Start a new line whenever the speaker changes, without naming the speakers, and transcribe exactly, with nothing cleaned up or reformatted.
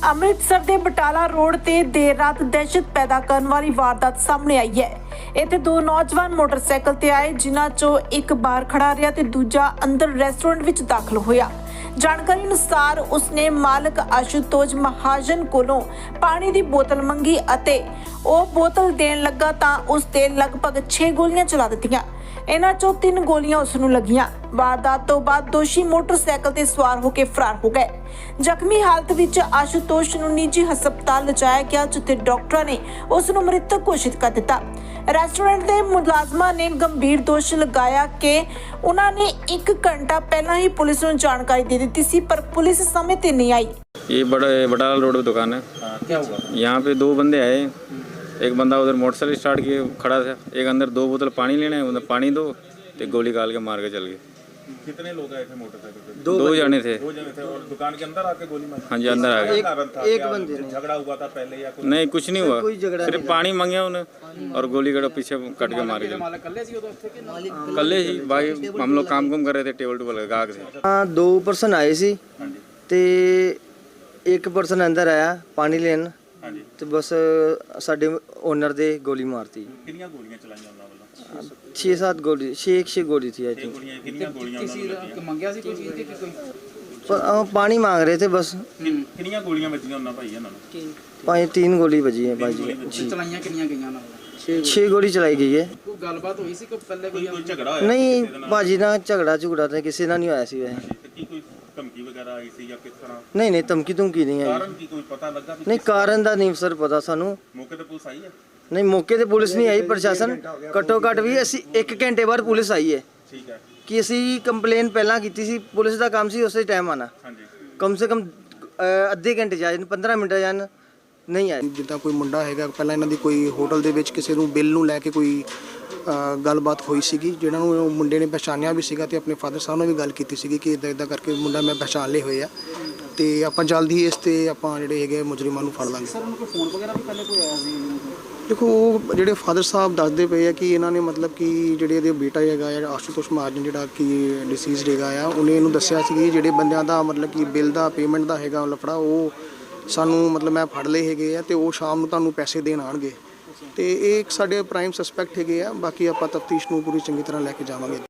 ਅੰਮ੍ਰਿਤਸਰ ਦੇ ਬਟਾਲਾ ਰੋਡ ਤੇ ਦੇਰ ਰਾਤ ਦਹਿਸ਼ਤ ਪੈਦਾ ਕਰਨ ਵਾਲੀ ਵਾਰਦਾਤ ਸਾਹਮਣੇ ਆਈ ਹੈ। ਇੱਥੇ ਦੋ ਨੌਜਵਾਨ ਮੋਟਰਸਾਈਕਲ ਤੇ ਆਏ, ਜਿਨ੍ਹਾਂ ਚੋਂ ਇੱਕ ਬਾਹਰ ਖੜਾ ਰਿਹਾ ਤੇ ਦੂਜਾ ਅੰਦਰ ਰੈਸਟੋਰੈਂਟ ਵਿੱਚ ਦਾਖਲ ਹੋਇਆ। ਜਾਣਕਾਰੀ ਅਨੁਸਾਰ ਉਸਨੇ ਮਾਲਕ ਆਸ਼ੂਤੋਸ਼ ਮਹਾਜਨ ਕੋਲੋਂ ਪਾਣੀ ਦੀ ਬੋਤਲ ਮੰਗੀ ਅਤੇ ਉਹ ਬੋਤਲ ਦੇਣ ਲੱਗਾ ਤਾਂ ਉਸ ਤੇ ਲਗਭਗ ਛੇ ਗੋਲੀਆਂ ਚਲਾ ਦਿੱਤੀਆਂ। ਇਹਨਾਂ ਚੋਂ ਤਿੰਨ ਗੋਲੀਆਂ ਉਸ ਨੂੰ ਲੱਗੀਆਂ। ਵਾਰਦਾਤ ਤੋਂ ਬਾਅਦ ਦੋਸ਼ੀ ਮੋਟਰਸਾਈਕਲ ਤੇ ਸਵਾਰ ਹੋ ਕੇ ਫਰਾਰ ਹੋ ਗਏ। ਜ਼ਖਮੀ ਹਾਲਤ ਵਿੱਚ ਆਸ਼ੂਤੋਸ਼ ਨੂੰ ਨਿੱਜੀ ਹਸਪਤਾਲ ਲਿਜਾਇਆ ਗਿਆ, ਜਿੱਥੇ ਡਾਕਟਰਾਂ ਨੇ ਉਸ ਨੂੰ ਮ੍ਰਿਤਕ ਘੋਸ਼ਿਤ ਕਰ ਦਿੱਤਾ। ਰੈਸਟੋਰੈਂਟ ਦੇ ਮੁਲਾਜ਼ਮਾਂ ਨੇ ਗੰਭੀਰ ਦੋਸ਼ ਲਗਾਇਆ ਕਿ ਉਹਨਾਂ ਨੇ ਇੱਕ ਘੰਟਾ ਪਹਿਲਾਂ ही पुलिस ਨੂੰ ਜਾਣਕਾਰੀ दे दी थी, पर पुलिस समय पे नहीं आई।
ये बड़ा बटाला रोड पे दुकान है।
हाँ, क्या हुआ?
यहाँ पे दो बंदे आए, एक बंदा उधर मोटरसाइकिल स्टार्ट किए खड़ा था, एक अंदर दो बोतल पानी लेने, उधर पानी दो तो गोली काल के मार के चल गए।
कितने लोग आए थे मोटरसाइकिल पे?
दो, दो जने थे।
दो जने थे और दुकान के अंदर आके गोली मारी?
हाँ जी, अंदर आ गए।
एक, एक बंदे झगड़ा हुआ था पहले या कुछ?
नहीं, कुछ नहीं हुआ, सिर्फ पानी मांगे उन्हें और गोली कड़ा पीछे कट के मार के कल ही भाई हम लोग काम कुम कर रहे थे, टेबल टूबल गाहक थे।
हाँ, दो परसन आए सी ते एक परसन अंदर आया पानी लेन ਤੇ ਬਸ ਸਾਡੇ ਓਨਰ ਦੇ ਗੋਲੀ ਮਾਰਤੀ।
ਕਿੰਨੀਆਂ ਗੋਲੀਆਂ ਚਲਾਈਆਂ ਉਹਨਾਂ ਵੱਲੋਂ?
ਛੇ ਸੱਤ ਗੋਲੀ ਛੇ ਛੇ ਗੋਲੀ थी आई थिंक।
ਗੋਲੀਆਂ ਕਿੰਨੀਆਂ ਗੋਲੀਆਂ ਉਹਨਾਂ ਨੇ ਮੰਗਿਆ ਸੀ ਕੋਈ ਚੀਜ਼ ਕਿ ਕੋਈ?
पर हम पानी मांग रहे थे बस।
ਕਿੰਨੀਆਂ ਗੋਲੀਆਂ ਵੱਜੀਆਂ ਉਹਨਾਂ ਭਾਈ ਇਹਨਾਂ ਨੂੰ?
पाँच तीन गोली बजी है भाई जी।
ਚਲਾਈਆਂ ਕਿੰਨੀਆਂ ਗਈਆਂ ਉਹਨਾਂ ਵੱਲੋਂ?
छह गोली चलाई गई है।
ਕੋਈ ਗੱਲਬਾਤ ਹੋਈ ਸੀ ਕਿ ਪਹਿਲੇ ਕੋਈ
ਕੋਈ ਝਗੜਾ ਹੋਇਆ?
नहीं भाजी ना झगड़ा झुगड़ा तो किसी ना नहीं होया सी वैसे।
ਕੀ ਕੋਈ ਧਮਕੀ ਵਗੈਰਾ ਆਈ ਸੀ ਜਾਂ ਕਿਸ ਤਰ੍ਹਾਂ?
नहीं नहीं धमकी धुमकी नहीं आई।
ਕਾਰਨ ਕੀ ਕੋਈ ਪਤਾ ਲੱਗਾ?
नहीं कारण ਦਾ नहीं सर पता सानू।
ਮੌਕੇ ਤੇ ਪੁਲਿਸ ਆਈ ਹੈ?
नहीं मौके ਤੇ ਪੁਲਿਸ ਨਹੀਂ ਆਈ, ਪ੍ਰਸ਼ਾਸਨ ਘੱਟੋ ਘੱਟ ਵੀ ਅਸੀਂ ਇੱਕ ਘੰਟੇ ਬਾਅਦ ਪੁਲਿਸ ਆਈ ਹੈ
ਠੀਕ ਹੈ
ਕਿ ਅਸੀਂ ਕੰਪਲੇਨ ਪਹਿਲਾਂ ਕੀਤੀ ਸੀ। ਪੁਲਿਸ ਦਾ ਕੰਮ ਸੀ ਉਸੇ ਟਾਈਮ ਆਣਾ।
ਹਾਂਜੀ।
ਕਮ ਸੇ ਕਮ ਅੱਧੇ ਘੰਟੇ ਜਾਣ ਪੰਦਰਾਂ ਮਿੰਟ ਜਾਣ ਨਹੀਂ ਆਏ।
ਜਿੱਦਾਂ ਕੋਈ ਮੁੰਡਾ ਹੈਗਾ, ਪਹਿਲਾਂ ਇਹਨਾਂ ਦੀ ਕੋਈ ਹੋਟਲ ਦੇ ਵਿੱਚ ਕਿਸੇ ਨੂੰ ਬਿੱਲ ਨੂੰ ਲੈ ਕੇ ਕੋਈ ਗੱਲਬਾਤ ਹੋਈ ਸੀਗੀ, ਜਿਹਨਾਂ ਨੂੰ ਉਹ ਮੁੰਡੇ ਨੇ ਪਛਾਣਿਆ ਵੀ ਸੀਗਾ ਤੇ ਆਪਣੇ ਫਾਦਰ ਸਾਹਿਬ ਨਾਲ ਵੀ ਗੱਲ ਕੀਤੀ ਸੀਗੀ ਕਿ ਇਦਾਂ ਇਦਾਂ ਕਰਕੇ ਮੁੰਡਾ ਮੈਂ ਪਛਾਣ ਲਏ ਹੋਏ ਆ ਤੇ ਆਪਾਂ ਜਲਦੀ ਇਸ ਤੇ ਆਪਾਂ ਜਿਹੜੇ ਹੈਗੇ ਮੁਜਰਮਾਂ ਨੂੰ ਫੜ ਲਾਂਗੇ।
ਸਰ ਉਹਨੂੰ ਕੋਈ ਫੋਨ ਵਗੈਰਾ ਵੀ ਪਹਿਲੇ ਕੋਈ ਆਇਆ ਸੀ?
ਦੇਖੋ ਉਹ ਜਿਹੜੇ ਫਾਦਰ ਸਾਹਿਬ ਦੱਸਦੇ ਪਏ ਆ ਕਿ ਇਹਨਾਂ ਨੇ ਮਤਲਬ ਕਿ ਜਿਹੜੇ ਇਹਦੇ ਬੇਟਾ ਹੈਗਾ ਆ ਆਸ਼ੂਤੋਸ਼ ਮਹਾਜਨ ਜਿਹੜਾ ਕਿ ਡਿਸੀਜ਼ਡ ਹੈਗਾ ਆ, ਉਹਨੇ ਇਹਨੂੰ ਦੱਸਿਆ ਸੀ ਕਿ ਜਿਹੜੇ ਬੰਦਿਆਂ ਦਾ ਮਤਲਬ ਕਿ ਬਿੱਲ ਦਾ ਪੇਮੈਂਟ ਦਾ ਹੈਗਾ ਲਫੜਾ ਉਹ ਸਾਨੂੰ ਮਤਲਬ ਮੈਂ ਫੜ ਲਏ ਹੈਗੇ ਆ ਤੇ ਉਹ ਸ਼ਾਮ ਨੂੰ ਤੁਹਾਨੂੰ ਪੈਸੇ ਦੇਣ ਆਣਗੇ ਤੇ ਇਹ ਇੱਕ ਸਾਡੇ ਪ੍ਰਾਈਮ ਸਸਪੈਕਟ ਹੈਗੇ ਆ। ਬਾਕੀ ਆਪਾਂ ਤਫਤੀਸ਼ ਨੂੰ ਪੂਰੀ ਚੰਗੀ ਤਰ੍ਹਾਂ ਲੈ ਕੇ ਜਾਵਾਂਗੇ।